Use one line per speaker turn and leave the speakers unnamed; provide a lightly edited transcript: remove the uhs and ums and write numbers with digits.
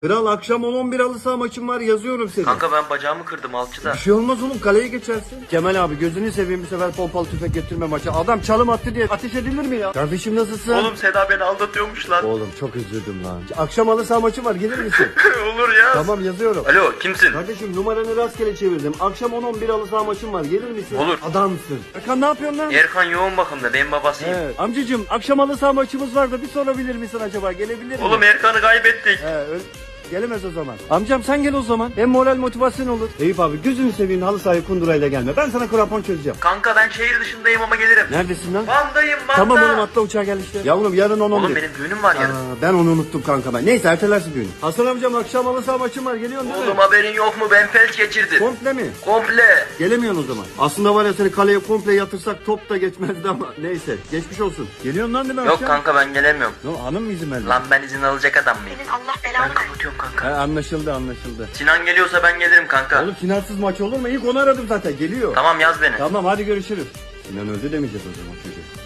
Kral akşam 10-11 halı saha maçım var, yazıyorum seni.
Kanka ben bacağımı kırdım alçıda.
Bir şey olmaz oğlum, kaleye geçersin. Kemal abi gözünü seveyim, bir sefer pompalı tüfek getirme maça. Adam çalım attı diye ateş edilir mi ya? Kardeşim nasılsın?
Oğlum Seda beni aldatıyormuş lan.
Oğlum çok üzüldüm lan. Akşam halı saha maçım var, gelir misin?
Olur ya.
Tamam, yazıyorum.
Alo kimsin?
Kardeşim numaranı rastgele çevirdim. Akşam 10-11 halı saha maçım var, gelir misin?
Olur.
Adamsın. Erkan ne yapıyorsun lan?
Erkan yoğun bakımda, benim babasıyım.
Evet. Amcacım akşam halı saha maçımız var da bir sorabilir misin acaba? Gelebilir mi?
Oğlum Erkan'ı kaybettik.
Gelemez o zaman. Amcam sen gel o zaman. Hem moral motivasyon olur. Eyüp abi gözünü seveyim, halı sahaya kundurayla gelme. Ben sana krampon çözeceğim.
Kanka ben şehir dışındayım ama gelirim.
Neredesin lan?
Van'dayım Van'da.
Tamam oğlum, atla uçağa gel işte. Yavrum yarın 10-11.
Oğlum benim düğünüm var yarın.
Ben onu unuttum kanka ben. Neyse ertelersin düğünü. Hasan amcam akşam halı saha maçım var, geliyorsun değil
Oğlum
mi?
haberin yok mu, ben felç geçirdim.
Komple mi?
Komple.
Gelemiyorsun o zaman. Aslında var ya, seni kaleye komple yatırsak top da geçmezdi ama neyse. Geçmiş olsun. Geliyorsun lan değil mi
Yok
akşam?
kanka ben gelemiyorum.
Hanım mı izin verdi?
Lan ben izin alacak adam mıyım?
Senin Allah
Ben
belanı versin.
kapatıyorum kanka.
Anlaşıldı.
Sinan geliyorsa ben gelirim kanka.
Oğlum Sinansız maç olur mu? İlk onu aradım zaten, geliyor.
Tamam yaz beni.
Tamam hadi görüşürüz. Sinan öldü demeyeceğiz o zaman çocuğu.